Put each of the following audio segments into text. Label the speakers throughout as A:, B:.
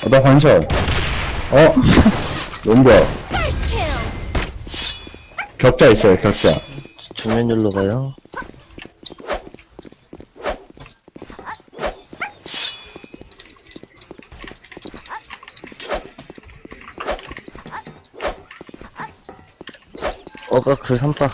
A: 나 반샷. 연결. 격자 있어요, 격자.
B: 정면열로 가요. 그 삼박.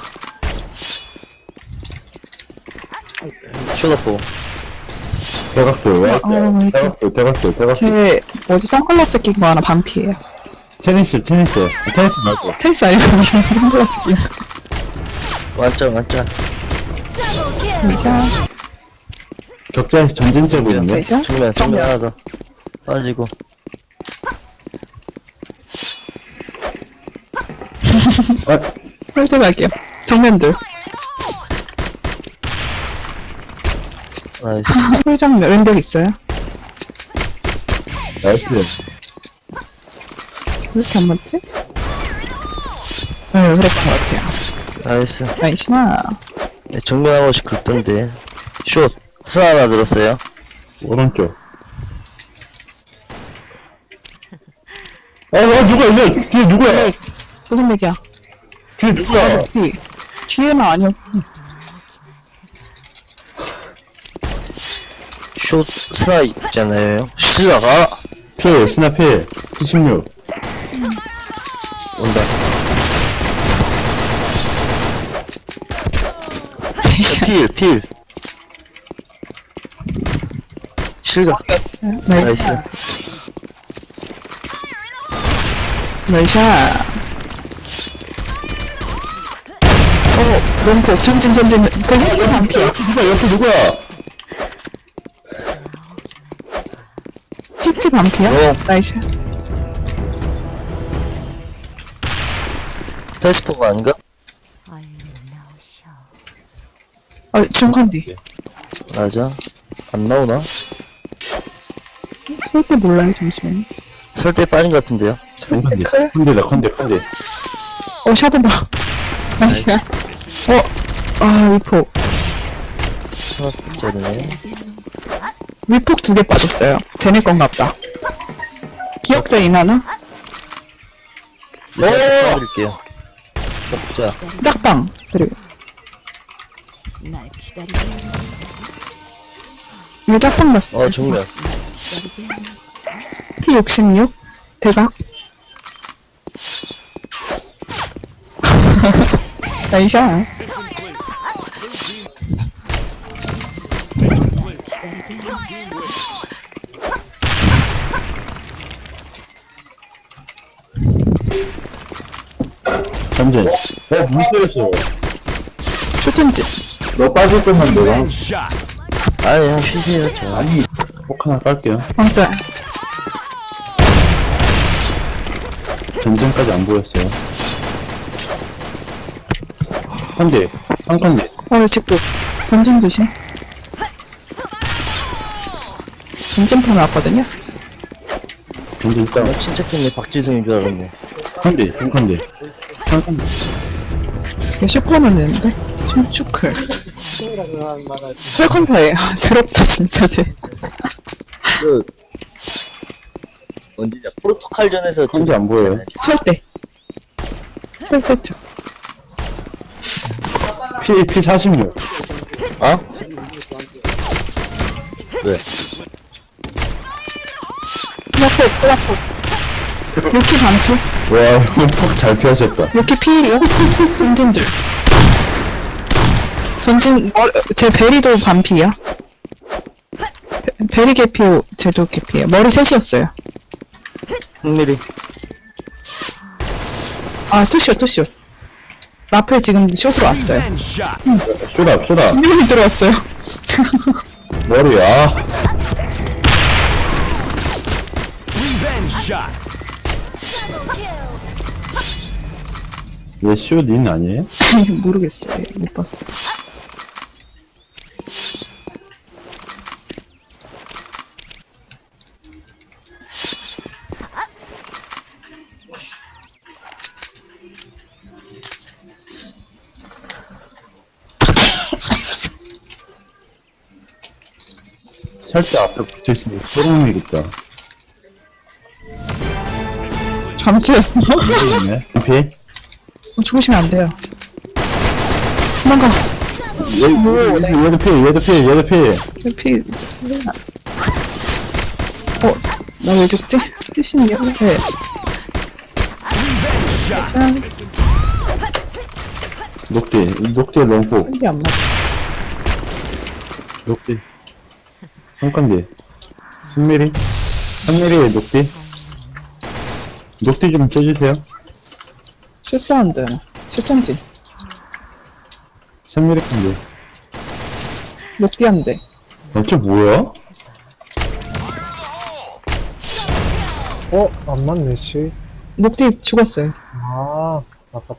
B: 쇼다포.
A: 대각도, 왜?
C: 있지.
A: 대각도.
C: 제 뭐지 선글라스 낀 거 하나 반피예요.
A: 테니스 말고.
C: 테니스 아니고 무슨 선글라스 낀 거.
B: 완전.
C: 진짜
A: 격자에서 전진제 보이네.
C: 되죠?
B: 정면 하나 더. 빠지고.
C: 홀드 갈게요. 정면들.
B: 나이스.
C: 홀정면 왼벽 있어요.
A: 나이스.
C: 왜 이렇게 안 맞지? 네, 그랬던 것 같아요.
B: 나이스.
C: 나이스나.
B: 네, 정면 한 번씩 긁던데. 숏. 스 하나 들었어요.
A: 오른쪽. 누가 있네? 뒤에 누구야?
C: 무슨 얘기야?
A: 뒤에 누구야?
C: 뒤에는 아니었고.
B: 숏 스나 있잖아요. 스나가
A: 필, 스나필. 76.
B: 온다. 필. 실각. 나이스.
C: 나이샤. 롱포. 전진. 그 헤드 반피야.
A: 누구야?
C: 히트 반피야? 나이샤.
B: 패스포가 아닌가?
C: 중간 뒤.
B: 맞아. 안 나오나?
C: 쏠때 몰라요, 잠시만요.
B: 설대 빠진 것 같은데요.
A: 컨대.
C: 샤드다. 나이샤. 위폭.
B: 저네.
C: 위폭 2개 빠졌어요. 쟤네 건가 보다. 기억자 인하나?
B: 드릴게요. 격자.
C: 짝방. 그리고. 이거 짝방 봤어.
B: 정면.
C: P66. 대각. 나이샤.
A: 전진. 무시했어.
C: 초점지.
A: 너 빠질 것만 내가.
B: 아니, 형 쉬세요. 저.
A: 아니, 폭 하나 깔게요.
C: 왕자.
A: 전진까지 안 보였어요. 컨대. 상컨대.
C: 직구. 전진 조심. 전진판 왔거든요?
A: 전진 땅.
B: 침착했네. 박지성인 줄 알았네.
A: 컨대. 상컨대.
C: 이거 슈퍼는 되는데? 춤추클. 철컨사에. 새롭다, 진짜, 쟤.
B: 언제냐? 포르투갈전에서
A: 컨대 안 보여요.
C: 철대. 철대죠.
A: P 46.
B: 어? 왜?
C: 플라폭. 요키 반피.
A: 와, 폭 잘 피하셨다.
C: 요키 피일이요? 전진들. 제 베리도 반피야. 베리 개피, 쟤도 개피에요. 머리 셋이었어요.
B: 흥미리.
C: 투쇼. 라펠 지금 숏으로 왔어요.
A: 쏘다.
C: 분명히 들어왔어요.
A: 머리야. 왜 쇼닌 아니에요?
C: 모르겠어요. 못 봤어.
A: 살짝 앞에 붙어있으면 소름이겠다.
C: 감수였어.
A: 네. 피.
C: 죽으시면 안 돼요. 도망가.
A: 얘도 피.
C: 피. 나 왜 죽지? 피시는 게 왜? 짠.
A: 녹디 롱포.
C: 이게 안 맞아.
A: 녹디. 성관계. 3mm 녹디. 녹디 좀 쳐주세요.
C: 슛사운드. 슛장지.
A: 3mm 관계.
C: 녹디한데.
A: 쟤 뭐야?
D: 안 맞네, 씨.
C: 녹디 죽었어요.
D: 아, 아깝다.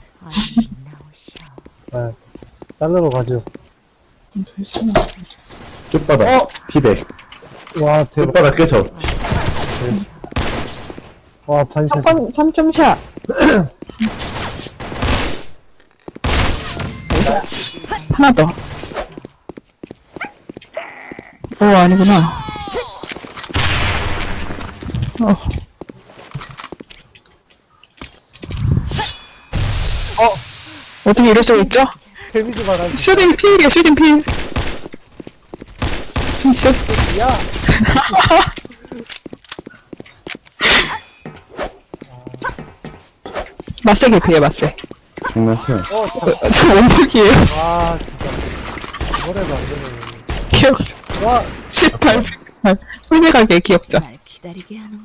D: 네. 달러로 가죠.
C: 됐어.
A: 끝바닥. 피백.
D: 와, 대박.
A: 끝바닥 깨져.
D: 와, 반샷.
C: 3점샷. 하나 더. 아니구나. 어떻게 이럴 수가 있죠?
D: 데미지 받아.
C: 슈딩 필이야, 슈딩 필. 슛.
D: 야!
C: 맞세 개피해, 맞세.
A: 장난쳐.
C: 저 원복이에요.
D: 아, 진짜. 뭐래도 안 되네.
C: 기억자.
D: 와,
C: 18. 홀대가게 기억자.
E: 날 기다리게 하는군.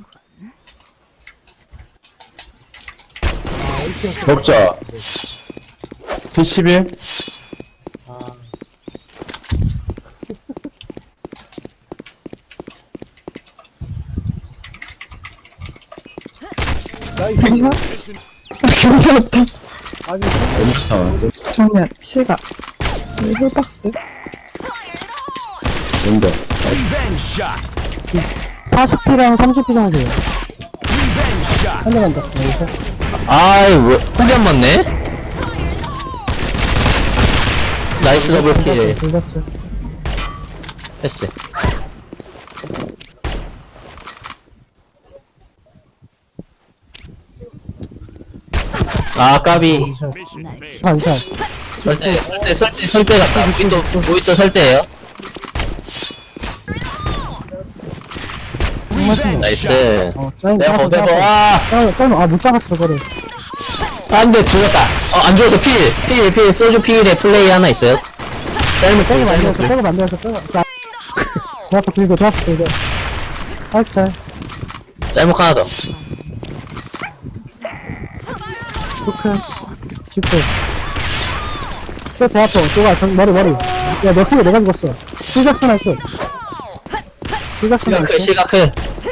A: 먹자. P11.
D: 아. 나이스.
C: 기억나왔다.
D: 아니,
A: 엄청.
C: 정면, 실각. 홀박스.
A: 뭔데?
D: 40피랑 30피 정도요. 한 대만 더.
B: 아이, 왜, 폭이 안 맞네? 나이스 더블킬.
D: 불같이.
B: 패스. 아, 까비.
D: 반샷.
B: 설대 같다. 모히또 설대예요 나이스. 내버, 와!
D: 못 잡았어, 그거를.
B: 안 돼, 죽었다. 안 죽어서 필, 소주 필에 플레이 하나 있어요. 짧은
D: 빼고
B: 필, 짧은
D: 만들어서,
B: 필.
D: 빼고 만들어서, 빼고. 자. 대학교 들고, 대학교 들고. 살짝.
B: 짤목 하나 더.
D: 초크. 지크. 저 대학교, 또가, 머리. 야, 너 크게 내가 죽었어. 실작선 할 수. 실작선 할 수.
B: 시가클.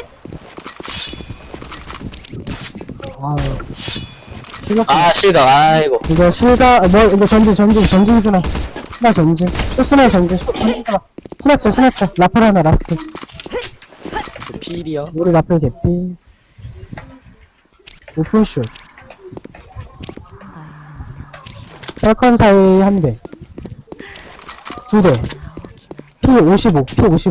D: 아, 실작선.
B: 아, 실각, 아이고.
D: 이거 이거 전진 스나. 스나 전진. 또 스나 전진. 스나쳐. 라플 하나, 라스트.
B: 필이요.
D: 우리 라플 개피. 오픈슛. 셀컨 사이 한 대. 두 대. P55.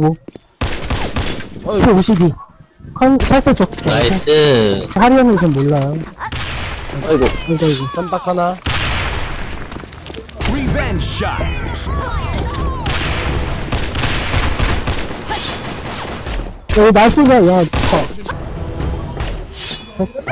D: P52. 살때 쪽.
B: 나이스.
D: 하리 형이 좀 몰라요.
B: 아이고.
D: 이거.
B: 쌈박 하나.
D: 여기 날씨가, 야, 됐어.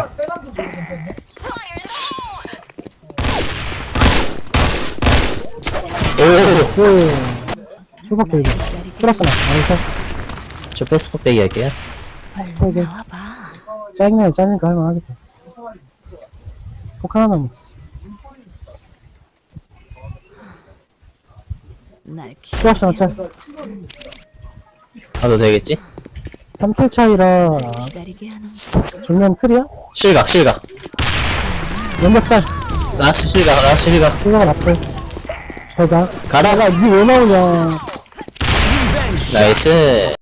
B: 오.
D: 슈퍼 끌고. 플러스나. 나이스.
B: 저 패스폭 대기 할게요.
D: 이게. 짜증나니까 할만하겠다. 폭 하나 남았어.
E: 날
D: 플러스나 차.
B: 가도 되겠지?
D: 3킬 차이라,
E: 기다리게 하는군.
D: 정면 클이야?
B: 실각.
D: 연막짤.
B: 라스 실각.
D: 생각은 앞에. 저가.
B: 가라.
D: 니왜 나오냐.
B: 나이스.